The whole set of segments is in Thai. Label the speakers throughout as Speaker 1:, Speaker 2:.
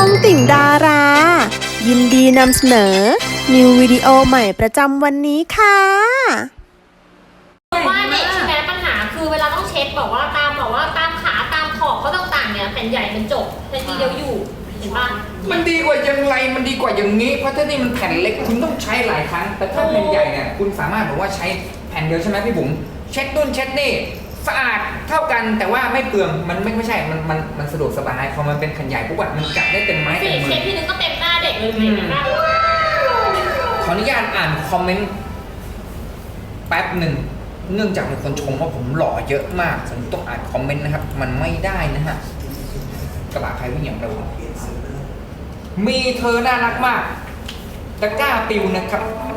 Speaker 1: องติ่งดารา ยินดีนำเสนอ นิววิดีโอใหม่ประจำวันนี้ค่ะ
Speaker 2: ว่าเด็กใช่ไหมปัญหาคือเวลาต้องเช็ดบอกว่าตามขาตามขอบเขาต่างๆเนี่ยแผ่นใหญ่มันจบแผ่นทีเดียวอยู่เห็นป่ะ
Speaker 3: มันดีกว่าอย่างไรมันดีกว่าอย่างนี้เพราะถ้านี่มันแผ่นเล็กคุณต้องใช้หลายครั้งแต่ถ้าแผ่นใหญ่เนี่ยคุณสามารถบอกว่าใช้แผ่นเดียวใช่ไหมพี่บุ๋มเช็ดนู่นเช็ดนี่สะอาดเท่ากันแต่ว่าไม่เปลืองมันไม่ใช่มันสะดวกสบายพอมันเป็นแผ่นใหญ่ปุ๊บมันจับได้เต็มไม้เต็มมื
Speaker 2: เช็
Speaker 3: อ
Speaker 2: ดทีนึงก็เต็มหน้าเด็กเลยเห็นไหม
Speaker 3: ขออนุญาตอ่านคอมเมนต์แป๊บหนึ่งเนื่องจากมีคนชมว่าผมหล่อเยอะมากผมต้องอ่านคอมเมนต์นะครับมันไม่ได้นะฮะกระบะใครวิ่งอย่างเร็วมีเธอน่ารักมากตะกร้าปิวนะครับ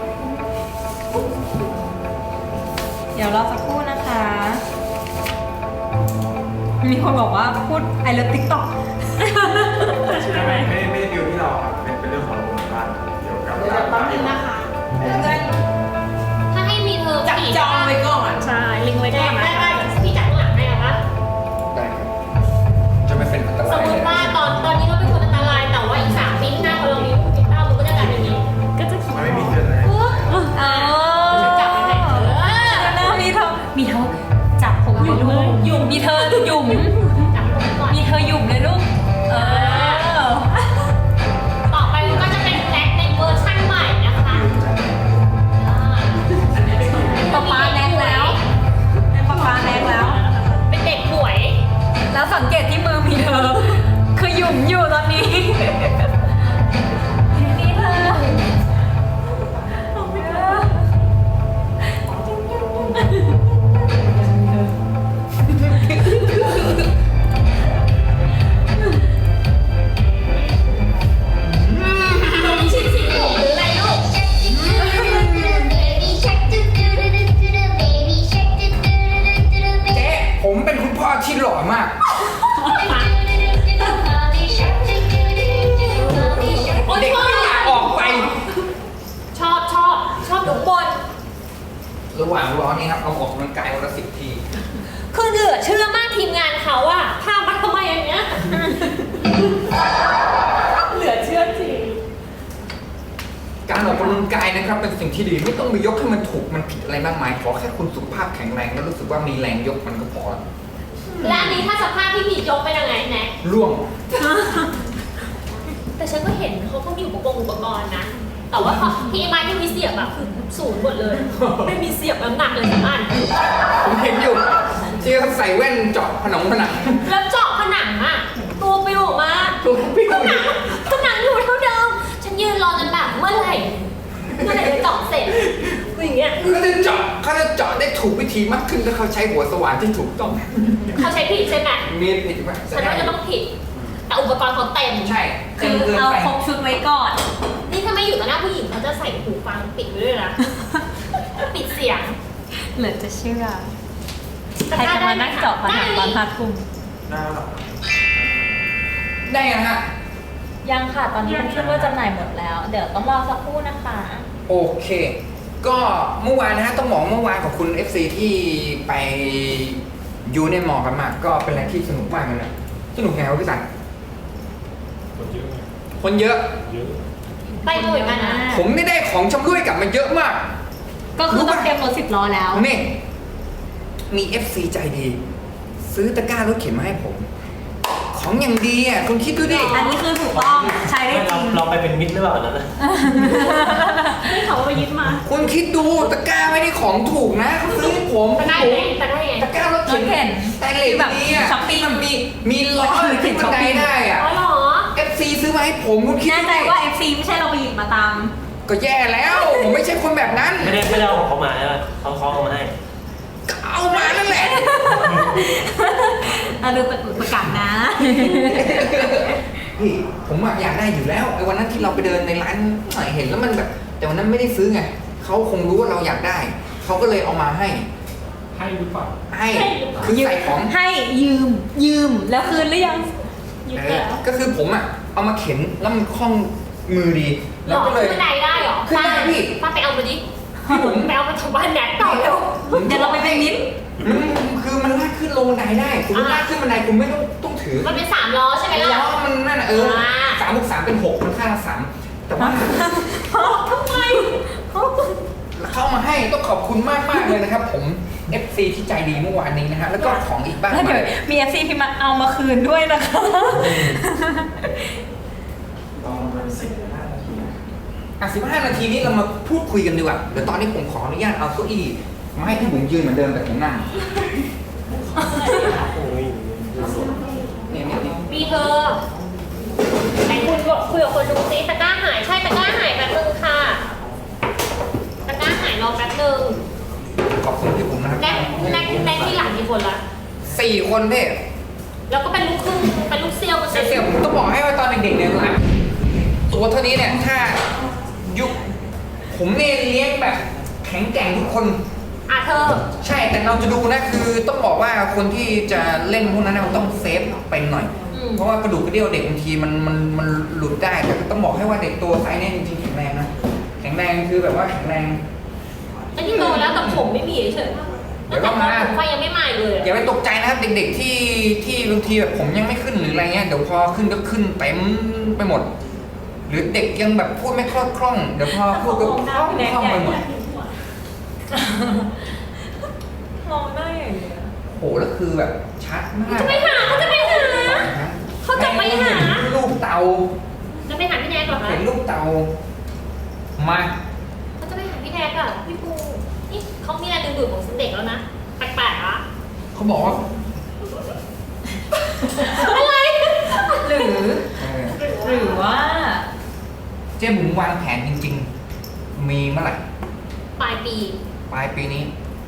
Speaker 4: เดี๋ยวรอสักครู่นะคะ มีคนบอกว่าพูด I love TikTok
Speaker 5: ไม่ได้ดิวที่เราครับเป็นเรื่องของโรงพยาบาลเกี่ยวกับการ
Speaker 2: ถ้าให้มีเธอ
Speaker 4: จับจองไว้ก่อน
Speaker 2: ใช่ลิงไว้ก่อนได้พี่จับข้างหลังให้นะคะ
Speaker 3: ได้ครับจะไม่เป็นอันต
Speaker 2: ส
Speaker 3: ราม ย
Speaker 2: ม
Speaker 3: เล
Speaker 2: ติ
Speaker 3: ย
Speaker 2: ว่าตอนนี้เราเป็นคนอันตรายแต่ว่าอีก3 ปีข้างหน้าพอเรามีลูกมีเต้ามันก็จะกลายเป็นอย่างนี้ก็จะคิด
Speaker 5: มันไม่มีเกินเลย
Speaker 2: จับไปไหน
Speaker 4: มีเธอจับผมอยู่ลูกหยุ่มมีเธอหยุ่ม
Speaker 2: จับผมก่อน
Speaker 4: มีเธอหยุ่มเลยลูก
Speaker 2: ต่อไปมันก็จะเป็นแบล็คในเวอร์ชั่นใหม่นะคะ
Speaker 4: ป๊าแน็กแล้วป๊าแน็กแล้ว
Speaker 2: เป็นเด็กป่วย
Speaker 4: แล้วสังเกตที่มือมีเธอ คือหยุ่มอยู่ตอนนี้มีเธอ
Speaker 2: ชิ้นสีผมหรืออะไรลูก
Speaker 3: เจ๊ผมเป็นคุณพ่อที่หล่อมาก
Speaker 2: โอ้ย
Speaker 3: เด็กไม่อยากออกไป
Speaker 2: ชอบดูบน
Speaker 3: ระหว่างรอนี่ครับเอาออกกำลังกายวันละ10 ที
Speaker 2: คือเหลือเชื่อมากทีมงานเขาอะพามาทำไมอย่างเงี้ย เหลือเชื่อจริง
Speaker 3: การออกกำลังกายนะครับเป็นสิ่งที่ดีไม่ต้องไปยกให้มันถูกมันผิดอะไรมากมายขอแค่คุณสุขภาพแข็งแรงแล้วรู้สึกว่ามีแรงยกมันก็พอแล้ว
Speaker 2: และอันนี้ถ้าสภาพที่ผิดยกเป็นยังไงแน็ก
Speaker 3: ร่วง
Speaker 2: แต่ฉันก็เห็นเขาก็มีอุปกรณ์นะ แต่ว่าที่ไม้ที่มีเสียบอะคือศูนย์หมดเลย ไม่มีเสียบน้ำหนักเลยสักอัน
Speaker 3: ผมเห็นอยู่ที่เขาใส่แว่นเจาะผนัง
Speaker 2: แล้วเจาะผนังอะตัวปิวออกมา
Speaker 3: ตัวปิ้ว
Speaker 2: ผนังอยู่เท่าเดิม ฉันยืนรอจนแบบเมื่อไหร่จะเจาะเสร็จอย่างเงี้ย
Speaker 3: เขาจะเจาะได้ถูกวิธีมากขึ้นถ้าเขาใช้หัวสว่านที่ถูกต้อง
Speaker 2: เขาใช้ผิดใช่ไหม
Speaker 3: มีผิดไหม
Speaker 2: ฉันว่าจะต้องผิด แต่อุปกรณ์เขาเต็ม
Speaker 3: ใช่
Speaker 4: คื
Speaker 3: เต็ม
Speaker 4: อ
Speaker 3: เกิน
Speaker 4: เอา
Speaker 3: ไป
Speaker 4: ครบชุดไว้ก่อน
Speaker 2: นี่ถ้าไม่อยู่ต่อหน้าผู้หญิงเขาจะใส่หูฟังปิดไว้ด้วยนะ ปิดเสียง
Speaker 4: เหลือจะเชื่อ ใครจะมานั่งเจาะผนังตอน5 ทุ่ม
Speaker 5: หน้าหรอ
Speaker 3: ได้ยังฮะ
Speaker 4: ยังค่ะ ตอนนี้มันขึ้นว่าจำหน่ายหมดแล้ว เดี๋ยวต้องรอสักครู่นะคะ
Speaker 3: โอเค ก็เมื่อวานนะฮะต้องบอกเมื่อวานขอบคุณ FC ที่ไปยูในมอกันมาก็เป็นอะไรที่สนุกมากเลยนะสนุกไงวะพี่สัน
Speaker 5: คนเยอะ
Speaker 3: คนเยอะ
Speaker 5: เยอะ
Speaker 2: ไปบ่อยกันนะ
Speaker 3: ผมไม่ได้ของชำร่วยกลับมาเยอะมาก
Speaker 4: ก็คือต้องเตรียมรถ10 ล้อแล้ว
Speaker 3: นี่มี FC ใจดี ซื้อตะกร้ารถเข็นมาให้ผม ของอย่างดีอ่ะคุณคิดดูดิ
Speaker 4: อันนี้คือถูกต้องใช้ได้จริง
Speaker 6: เราไปเป็นมิตรหรือเปล่านะ
Speaker 4: ไม่เขาไปยึดมา
Speaker 3: คุณคิดดูตะกร้าไม่ได้ของถูกนะเขาซื้อให้ผม
Speaker 2: แต่ได้ไงแต่ได้ไง
Speaker 3: ตะกร้ารถเข็น
Speaker 4: รถเข็น
Speaker 3: แต่เหล็ก
Speaker 4: แบบ
Speaker 3: ดีอ่ะ
Speaker 4: ช้อปปิ้ง
Speaker 3: มันมีล้อขึ้นบันไดได้อ่ะ
Speaker 2: อ๋อเหรอ
Speaker 3: FC ซื้อมาให้ผมคุณคิด
Speaker 4: แน่
Speaker 3: ดู
Speaker 4: ใจ
Speaker 3: ดิ
Speaker 4: ว่า FC ไม่ใช่เราไปหยิบมาตาม
Speaker 3: ก็แย่แล้ว ผมไม่ใช่คนแบบนั้น
Speaker 6: ไม่ได้เอาของเขามาใช่ไหมเขาเอามาให้
Speaker 3: ก็เอามานั่นแหละ
Speaker 4: เราดูประกาศนะ
Speaker 3: พี่ผมอะอยากได้อยู่แล้วไอ้วันนั้นที่เราไปเดินในร้านหน่อยเห็นแล้วมันแบบ แต่วันนั้นไม่ได้ซื้อไงเขาคงรู้ว่าเราอยากได้เขาก็เลยเอามาให้
Speaker 5: ให้หรือเปล่า
Speaker 3: ให้คือใส่ของ
Speaker 4: ให้ยืมแล้วคืนหรือยัง
Speaker 2: ยึด
Speaker 3: เอ
Speaker 2: แล้
Speaker 3: อ
Speaker 2: ว
Speaker 3: ก็คือผมอะเอามาเข็นแล้วมันคล่องมือดี
Speaker 2: หร
Speaker 3: แล้ว
Speaker 2: อ
Speaker 3: ก็เลย
Speaker 2: ขึ้นบันไดได้หรอ
Speaker 3: ขึ้นได้พี่
Speaker 2: ป้าไปเอามาดิไปเอามาจากบ้านแน็กต่อเร็ว
Speaker 4: เดี๋ยวเราไปเป็นมิตร
Speaker 3: มันคือมันลากขึ้นลงบันไดได้คุณลากขึ้นบันไดคุณไม่ต้องถือ
Speaker 2: มันเป็น3 ล้อใช่ไหมล่ะ
Speaker 3: ล้อมันนั่นน่ะ 3 เป็น 6 มันค่าละ3แต่ว่า
Speaker 4: ทำไม
Speaker 3: เข้ามาให้ต้องขอบคุณมากเลยนะครับผม FC ที่ใจดีเมื่อวานนี้นะฮะแล้วก็ของอีกบ้าง
Speaker 4: แล้วเดี๋ยวมี FC ที่มาเอามาคืนด้วยนะคะ
Speaker 5: ลองเป็น15 นาทีนะ
Speaker 3: 15 นาทีนี้เรามาพูดคุยกันดีกว่าเดี๋ยวตอนนี้ผมขออนุญาตเอาเก้าอี้มาให้พี่บุ๋มยืนเหมือนเดิมแต่ผมนั่งเนี่ย
Speaker 2: มีเธอไหนคุณบอกคุยกับคนดูซิตะกร้าหายใช่ตะกร้าหายแป๊บนึงค่ะตะกร้าหายรอแป๊บนึง
Speaker 3: ขอบคุณพี่บุ๋มนะครับ
Speaker 2: แน็กที่หลังกี่คนละ
Speaker 3: 4 คนเพ่
Speaker 2: แล้วก็เป็นลูกครึ่งเป็นลูกเซี่ยวกัน
Speaker 3: เสี่ยวผมต้องบอกให้ว่าตอนเด็กๆเนี่ยนะตัวเท่านี้เนี่ยถ้ายุคผมเนี่ยเลี้ยงแบบแข็งแกร่งทุกคน
Speaker 2: อ่ะเธอ
Speaker 3: ใช่แต่เราจะดูนะคือต้องบอกว่าคนที่จะเล่นพวกนั้นเราต้องเซฟเป็นหน่อย เพราะว่ากระดูกกระเดี่ยวเด็กบางทีมันหลุดได้แต่ต้องบอกให้ว่าเด็กตัวไซส์เนี่ยจริงๆแข็งแรงนะแข็งแรงคือแบบว่าแข็งแรง
Speaker 2: ไอ้ที่โตแล้วแต่ผมไม่มีเฉย
Speaker 3: เดี๋ยวก็มา
Speaker 2: ผมไฟยังไม่มาเลย
Speaker 3: อย่าไปตกใจนะครับเด็กๆที่บางทีแบบผมยังไม่ขึ้นหรืออะไรเงี้ยเดี๋ยวพอขึ้นก็ขึ้นเต็มไปหมด หรือเด็กยังแบบพูดไม่คล่องเดี๋ยวพอพูดก็คล่องไปหมด
Speaker 4: มองหน้าอย่างเงี้ย
Speaker 3: โหแล้วคือแบบชัดมาก
Speaker 2: จะไปหาเขาจะไปหา เขาจะไปหา
Speaker 3: ลูกเตา
Speaker 2: จะไปหาพี่แนกเหรอคะ
Speaker 3: เห็นลูกเตามา
Speaker 2: เขาจะไปหาพี่แนกอะพี่ปูนี่เขามีอะไรดึงดูดของเด็กแล้วนะแปลกๆอะ
Speaker 3: เขาบอกว่า
Speaker 2: อะไร
Speaker 4: หรือว่า
Speaker 3: เจ๊บุ๋มวางแผนจริงๆ มีเมื่อไหร่
Speaker 2: ปลายปี
Speaker 3: ปลายปีนี้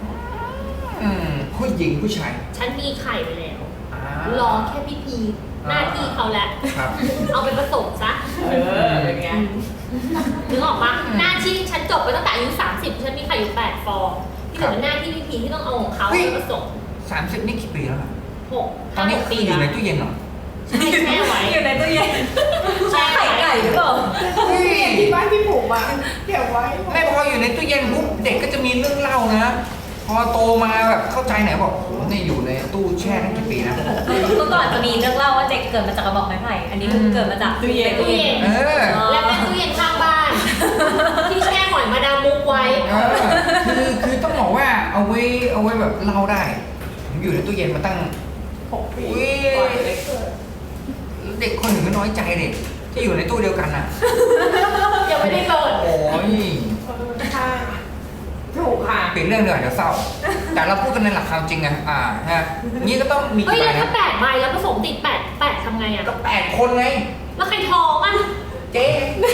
Speaker 3: ผู้หญิงผู้ชาย
Speaker 2: ฉันมีไข่ไปแล้ว
Speaker 3: อ่าร
Speaker 2: อแค่พี่พีหน้าที่เขาแหละ
Speaker 3: ครับ
Speaker 2: เอาไปผสมซะ
Speaker 4: อย่างเงี้ย
Speaker 2: นึกออกปะหน้าที่ฉันจบไปตั้งแต่อายุ30ฉันมีไข่อยู่8ฟองที่เหลือเป็นหน้าที่พี่พีที่ต้องเอาของเขาไปผสม
Speaker 3: 30 นี่กี่ปีแล้วล่ะ
Speaker 2: 6
Speaker 3: ตอนนี้
Speaker 2: 5 6
Speaker 3: คื
Speaker 2: ปี
Speaker 3: ออยู่
Speaker 2: แล้ว
Speaker 3: ในตู้เย็นเหรอ
Speaker 2: ใช่แช่ไว้
Speaker 4: อยู่ในตู้เย็น
Speaker 2: แช่
Speaker 4: ไข่
Speaker 2: ไว้
Speaker 4: ไก่หรือเปล่า
Speaker 1: ที่บ้านพี่ผมอ่ะเก็บไว้
Speaker 3: ไม่พออยู่ในตู้เย็นปุ๊บเด็กก็จะมีเรื่องเล่านะ พอโตมาแบบเข้าใจไหนบอกโหนี่อยู่ในตู้แช่ตั้งกี่ปีนะ
Speaker 4: เมื่อก่อนจะมีเรื่องเล่าว่าเด็กเกิดมาจากกระบอกไม้ไผ่ อันนี้คือเกิดมาจากตู้เย็น
Speaker 2: ตู้เย็น
Speaker 3: เออ
Speaker 2: และเป็นตู้เย็นข้างบ้าน ที่แช่หอยมาดามมุกไว้
Speaker 3: คือต้องบอกว่าเอาไว้แบบเล่าได้ผมอยู่ในตู้เย็นมาตั้ง
Speaker 1: 6 ปี
Speaker 3: อุ๊ย
Speaker 1: ก่อนเล็กเกิด
Speaker 3: เด็กคนหนึ่งก็น้อยใจเด็กที่อยู่ในตู้เดียวกันอ่ะ
Speaker 2: ยังไม่ได้เปิด
Speaker 3: โอ้ย
Speaker 1: ใช่ถูกค่ะ
Speaker 3: เปลี่ยนเรื่องเดี๋ยวเศร้า แต่เราพูดกันในหลักความจริงไงฮะนี่ก็ต้องมี
Speaker 2: เฮ้ย
Speaker 3: กี่ใบ
Speaker 2: แล้วถ้า
Speaker 3: นะ
Speaker 2: 8 ใบแล้วผสมติด8ทำไงอะ
Speaker 3: ก็8 คนไง
Speaker 2: แล้วใครท้องอะ
Speaker 3: เจ๊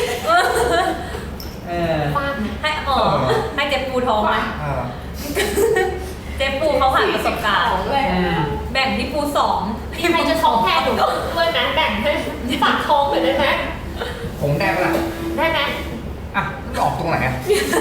Speaker 2: ฟาดไหม
Speaker 4: ให้ให้เจ๊ปูท้องไหม
Speaker 3: เออ
Speaker 4: เจ๊ปูเขาผ่านประสบการณ์
Speaker 1: ด้วย
Speaker 4: แบ่งที่ปู2
Speaker 2: มีใครจะท้องแทนหนูด้วยไหมแบ่งให้ฝากท้องหน่อยได้ไหม
Speaker 3: ผมได้ปะล่ะ
Speaker 2: ได้ไหม
Speaker 3: อ่ะมันออกตรงไหนอ่ะ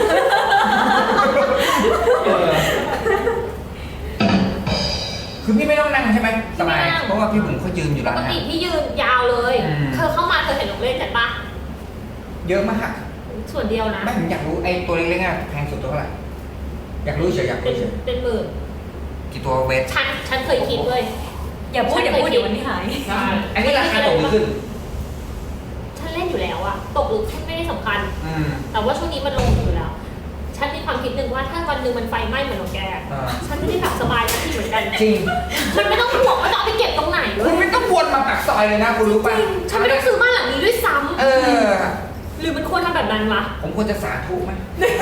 Speaker 3: คือพี่ไม่ต้องนั่งใช่ไหมสบายเพราะว่าพี่บุ๋มเขายืนอยู่
Speaker 2: ป
Speaker 3: แล้ว
Speaker 2: ก
Speaker 3: นะ
Speaker 2: ติพี่ยืนยาวเลย
Speaker 3: อืม
Speaker 2: เธอเข้ามาเธอเห็นหนูเล่นกันปะ
Speaker 3: เยอะมาก
Speaker 2: ส่วนเดียวนะ
Speaker 3: ไม่ผมอยากรู้ไอ้ตัวเล็กๆอ่ะแพงสุดตัวเท่าไหร่อยากรู้เฉยอยาก
Speaker 2: เป็
Speaker 3: รู้
Speaker 2: น
Speaker 3: เฉย
Speaker 2: เป็นหมื่น
Speaker 3: กี่ตัวเวท
Speaker 2: ฉันเคยคิดเว้ย
Speaker 4: อย่าพูดเดี๋ยววันนี้หาย
Speaker 3: อันนี้ราคาตกหรือขึ้น
Speaker 2: ฉันเล่นอยู่แล้วอะตกหรือขึ้นไม่ได้สำคัญ
Speaker 3: อืม
Speaker 2: แต่ว่าช่วงนี้มันลงอยู่แล้ว ฉันมีความคิดหนึ่งว่าถ้าวันหนึ่งมันไฟไหม้เหมือนของแก ฉันไม่ได้หลับสบายสักทีเหมือนกัน
Speaker 3: จริง
Speaker 2: ฉันไม่ต้องห่วงว่าจะเอาไปเก็บตรงไหนเล
Speaker 3: คุณ
Speaker 2: ย
Speaker 3: ไม่ต้องวนมาปากซอยเลยนะคุณรู้ป่ะ
Speaker 2: ฉันไม่ต้องซื้อบ้านหลังนี้ด้วยซ้
Speaker 3: เออ
Speaker 2: ำหรือมันควรทำแบบนั้นวะ
Speaker 3: ผมควรจะสาธุไหม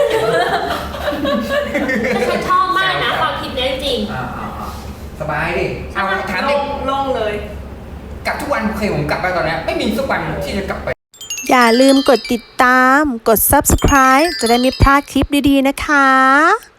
Speaker 2: แต่ฉันชอบมากนะความคิดนี้จริง
Speaker 3: สบายดิเอาถามดิ
Speaker 1: ลงเลย
Speaker 3: กลับทุกวันเคยผมกลับไปตอนเนี้ยไม่มีสักวันที่จะกลับไป
Speaker 1: อย่าลืมกดติดตาม กด subscribe จะได้ไม่พลาดคลิปดีๆนะคะ